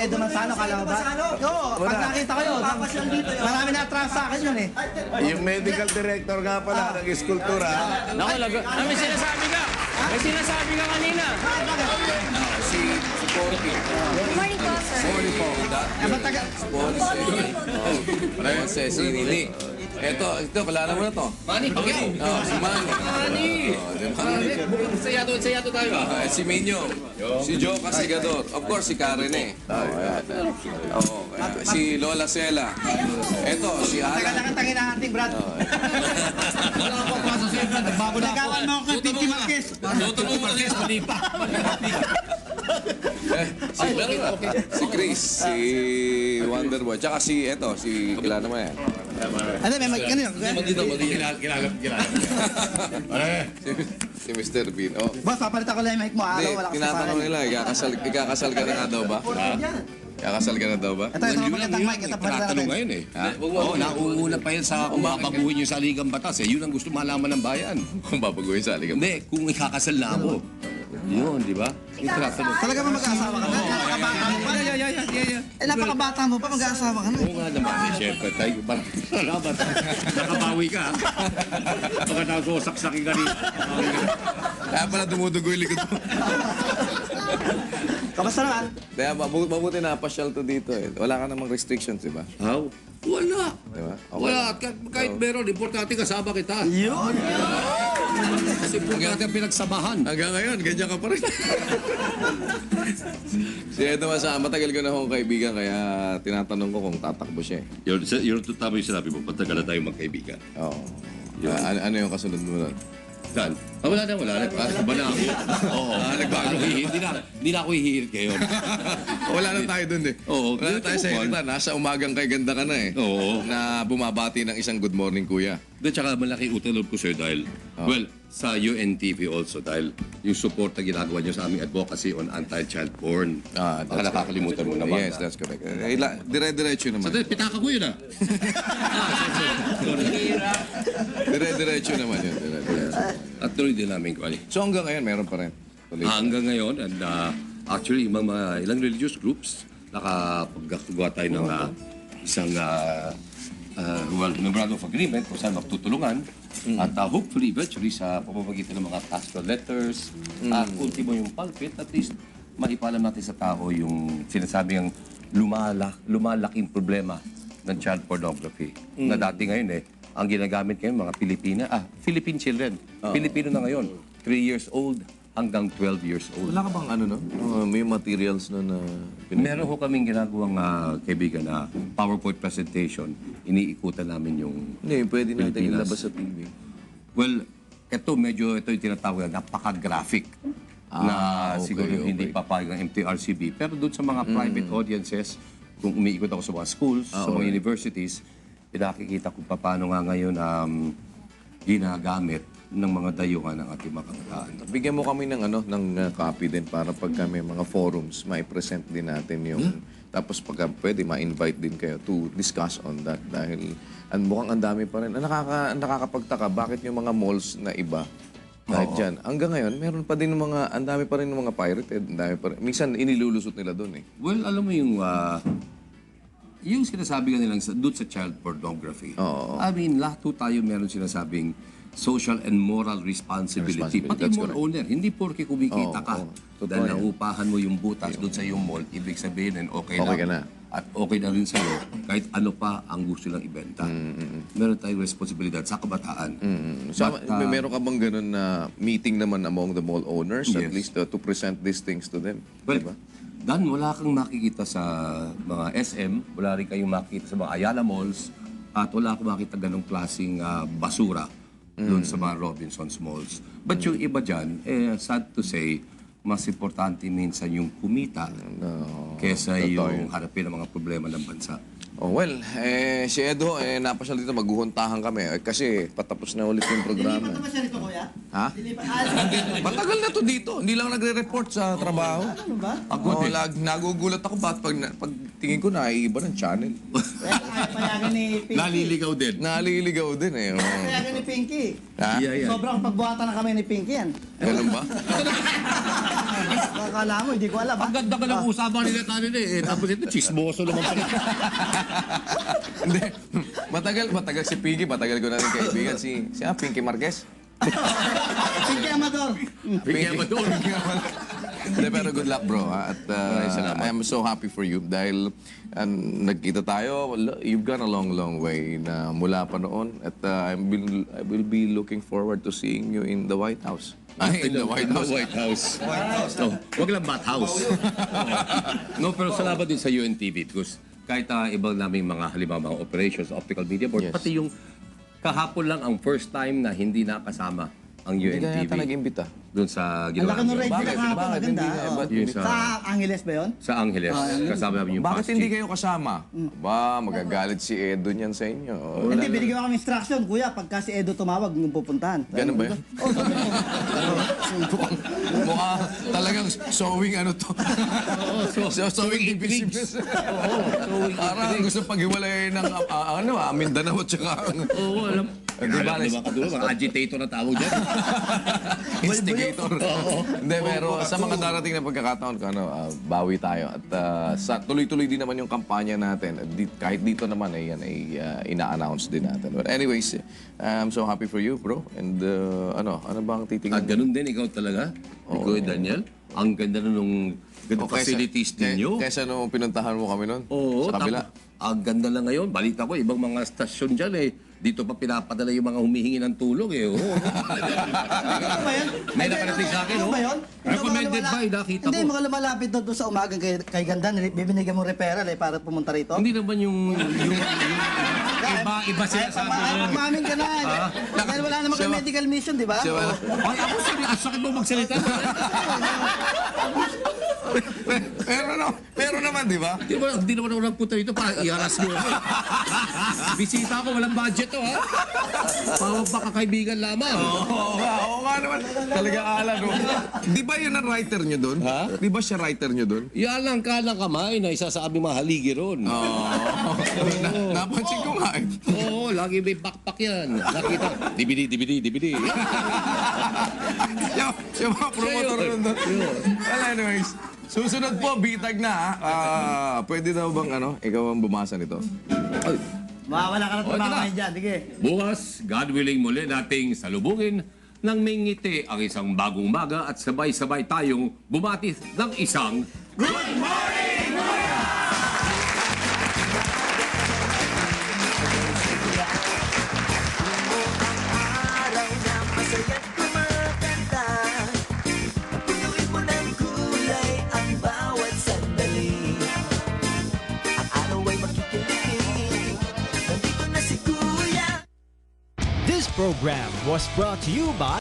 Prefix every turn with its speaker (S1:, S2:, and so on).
S1: Edo Manzano, kala mo ba? Oo, pag nakita ko yun, marami na-attract sa akin yun eh.
S2: Yung medical director nga pala ng eskultura.
S3: Naku, may sinasabi ka. May sinasabi ka kanina.
S2: Si Porky.
S4: Good morning po, sir.
S2: Sorry po. Ponce, si Nini. Ito, kalala mo na to.
S3: Manny, okay.
S2: Si Manny.
S3: Saya to tayo.
S2: Si Minyo. Si Joe Casigador. Of course, si Karen eh. Si Lola Sela. Ito, si
S1: Taga
S2: Alan.
S1: nakatangin na ating Brad.
S3: Wala akong klasa sa'yo, Brad. Nagbago na ako.
S1: Nagawan mo ako kay Titi Marquez.
S3: Luto mo Marquez, mali pa.
S2: Si Chris. Si Wonderboy. Tsaka si, kilala mo yan.
S1: Ano, may kanina.
S2: Si Mr. Bean. Oh.
S1: Boss, papalitan ko lang yung mic mo.
S2: Hindi,
S1: Araw, wala ka sa
S2: tinatanong nila, ikakasal ka na nga daw ba? Ikakasal ka na daw ba?
S1: Ito, ito, magandang mic. Ito, palitan
S5: Tinatanong
S1: natin.
S5: ngayon eh. Oo, nauuna pa yan sa kung babaguhin yung saligang batas eh. Yun ang gusto malaman ng bayan.
S2: Kung babaguhin sa aligam.
S5: Hindi, kung ikakasal na ako. Yun, di ba? Yung tinatanong.
S1: Talaga ba mag-aasawa ka na? Napakabata mo pa. Eh, napakabata mo pa, mag-aasawa ka na.
S5: Oo nga naman eh, syempre. Tayo, salamat. Nakabawi ka. Baka nasosaksakin ka rin.
S2: Kaya pala dumudugo yung likod mo.
S1: Kamusta naman?
S2: Kaya mabuti na pasyal to dito eh. Wala ka namang restrictions, di ba?
S5: How? Wala.
S2: Di ba? Okay.
S5: Wala. Kahit meron, importante kasama kita. Yun. Kasi kung natin pinagsamahan.
S2: Hanggang ngayon, ganyan ka pa rin. Si Edo Masa, matagal ko na akong kaibigan, kaya tinatanong ko kung tatakbo siya eh.
S5: Yun tama yung sinabi mo, patagal na tayo magkaibigan.
S2: Oo. Ano yung kasunod mo nun?
S5: Dan? Wala na. Iba na ako. Oo. Nagbago. Hindi na ako hihirit ngayon.
S2: Wala na tayo dun eh.
S5: Oo.
S2: Wala na tayo sa hirita. Nasa umagang kay ganda ka na eh.
S5: Oo.
S2: Na bumabati ng isang good morning kuya.
S5: Doon tsaka malaki utang loob ko sa'yo dahil, well, sa UNTV also dahil yung support na ginagawa niyo sa aming advocacy on anti-child porn. Baka nakakalimutan mo naman.
S2: Yes, that's correct. Dire-diretso naman.
S5: Sandali, pitaka ko yun ah.
S2: Dire-diretso naman yun. Dire-diretso.
S5: At tuloy din namin ko.
S2: So hanggang ngayon, meron pa rin. Tuloy.
S5: Hanggang ngayon, and actually, mga ilang religious groups, nakapaggawa tayo ng isang memorandum of agreement kung saan magtutulungan. At hopefully, eventually, sa pamamagitan ng mga pastoral letters, at ultimo yung pulpit, at least maipalam natin sa tao yung sinasabing lumalaking problema ng child pornography. Na dati ngayon ang ginagamit ngayon mga Philippine children. Pilipino na ngayon, 3 years old hanggang 12 years old.
S2: Wala ka bang may materials na
S5: Meron ho kaming ginagawang kaibigan na PowerPoint presentation. Iniikutan namin yung
S2: Hindi, pwede natin
S5: Pilipinas.
S2: ilabas sa TV.
S5: Well, ito yung tinatawag na napaka-graphic na
S2: okay,
S5: siguro
S2: okay.
S5: hindi papayag ng MTRCB. Pero doon sa mga private audiences, kung umiikot ako sa mga schools, sa mga universities, pinakikita ko paano nga ngayon ginagamit ng mga dayuhan ng ating mga kabataan.
S2: Bigyan mo kami ng copy din para pagka may mga forums, mai-present din natin yung tapos pagka pwede ma-invite din kayo to discuss on that dahil mukhang ang dami pa rin. Nakakapagtaka bakit yung mga malls na iba kahit dyan. Hanggang ngayon, meron pa din ang dami pa rin ng mga pirated. Ang dami pa rin. Minsan, inilulusot nila doon eh.
S5: Well, alam mo yung sinasabi ka nilang doon sa child pornography.
S2: Oo.
S5: I mean, lahat po tayo meron sinasabing social and moral responsibility. Pati
S2: That's
S5: mall
S2: correct.
S5: owner, hindi porke kumikita ka.
S2: Totoo
S5: Dahil
S2: yan.
S5: naupahan mo yung butas doon sa iyong mall, ibig sabihin okay
S2: Okay
S5: lang.
S2: ka na.
S5: At okay na rin sa'yo, kahit ano pa ang gusto lang ibenta. Meron tayong responsibilidad sa kabataan.
S2: So,
S5: But,
S2: meron ka bang ganun na meeting naman among the mall owners at
S5: Yes.
S2: least to present these things to them?
S5: Well,
S2: Diba?
S5: Dan, wala kang makikita sa mga SM, wala rin kayong makikita sa mga Ayala Malls, at wala kang makikita ganong klaseng basura doon sa mga Robinsons Malls. But yung iba dyan, sad to say, mas importante minsan yung kumita kesa
S2: totoo
S5: yung harapin ang mga problema ng bansa.
S2: Oh, well, si Edo, napasyal dito, maghuhuntahan kami. Kasi patapos na ulit yung programa.
S1: Dilipat naman siya rito, kuya?
S2: Ha? Matagal na to dito. Hindi lang nagre-report sa trabaho.
S1: Ano ba?
S2: Ako, nagugulat ako pag tingin ko na iba ng channel.
S1: Kaya payagan ni Pinky.
S5: Naliligaw din.
S2: Naliligaw din eh. Oh.
S1: Payagan ni Pinky.
S2: Ha?
S5: Yeah.
S1: Sobrang pagbuhatan na kami ni Pinky yan.
S2: Ganun ba?
S1: Akala mo, hindi ko alam.
S5: Ang ganda ka ng usapan nila tayo eh. Tapos ito, chismoso naman pala.
S2: Hindi. Matagal si Pinky. Matagal ko na rin kaibigan. Si Pinky Marquez.
S1: Pinky Amador.
S5: Pinky Amador.
S2: Hindi, pero good luck, bro. Ha? At I am so happy for you dahil nagkita tayo. You've gone a long, long way na mula pa noon. At I will be looking forward to seeing you in the White House. Ay, in the White House.
S5: White House. No, wag lang Bat House. No, pero salamat din sa UNTV because kahit ibang naming mga halimbawa mga operations, optical media board,
S2: Yes.
S5: pati yung kahapon lang ang first time na hindi nakasama ang
S2: Hindi ka
S5: UNTV
S2: yata nag-imbita.
S5: doon sa
S1: Ang laki ng
S5: ginawa.
S1: red
S2: Bakit?
S1: na kahapon.
S2: Bakit?
S1: Maganda.
S2: Hindi nga,
S1: Oo.
S2: ba't
S5: Yung
S2: hindi
S5: sa-
S1: Sa Angeles ba yun?
S5: Sa Angeles, kasama namin yung
S2: Bakit
S5: past
S2: hindi
S5: chief.
S2: kayo kasama? Ba, magagalit si Edo niyan sa inyo.
S1: Hindi, binigyan kami instruction, kuya. Pagka si Edo tumawag, nung pupuntahan.
S2: Ganun ba yun? Mukha talagang sewing ano to. Sewing divisiveness. Parang gusto paghiwalay ng Mindanao at saka
S5: Oo, alam.
S2: Di ba,
S5: Alam, mga kadulo, mga agitator na tawag dyan.
S2: instigator. Hindi, pero sa mga darating na pagkakataon, bawi tayo. At tuloy-tuloy din naman yung kampanya natin. At kahit dito naman, yan ay ina-announce din natin. But anyways, I'm so happy for you, bro. And ano bang titingin?
S5: At ganun din, ikaw talaga, ikaw Daniel. Ang ganda na nung ganda facilities ninyo.
S2: Kaysa nung pinuntahan mo kami noon,
S5: Oo,
S2: sa kabila.
S5: ang ganda na ngayon. Balita ko, ibang mga stasyon dyan dito pa pinapadala yung mga humihingi ng tulong Oo.
S1: Ano ba yan?
S5: May nakarating sa akin,
S1: Ano ba yun?
S5: Recommended ba? Nakita
S1: Hindi,
S5: ko.
S1: mga lumalapit doon sa umagang kay Ganda, bibinigyan mo referral para pumunta rito.
S5: Hindi naman yung iba sila sabi
S1: Ay, pagmamin ka na. Dahil wala naman kay medical mission, di ba?
S2: Siya ba?
S5: Ay, ako ang sakit mo magsalita.
S2: Pero naman, di ba?
S5: Hindi naman ako nagpunta dito para i-harass mo ako. Bisita ako, walang budget to, ha? Pawag pa kakaibigan lamang.
S2: Oo nga naman. Talaga ala, no? Di ba yun ang writer nyo doon?
S5: Ha?
S2: Di ba siya writer nyo doon?
S5: Yan lang ka ng kamay na isa sa aming mga haligi ron.
S2: Napansin ko nga eh.
S5: Oo, lagi may backpack yan. Nakita, DVD.
S2: Yung mga promotor nun doon. Well, anyways. Susunod po, bitag na. Pwede daw bang ikaw ang bumasa nito?
S1: Mawala ka na
S5: ito na.
S1: trabaho dyan, sige.
S5: Bukas, God willing muli nating salubungin ng may ngiti ang isang bagong umaga at sabay-sabay tayong bumati ng isang
S4: Araw na masaya't kumaganda. Punuin mo ng kulay ang bawat sandali. Ang araw ay makikinig. Nandito na si Kuya.
S6: This program was brought to you by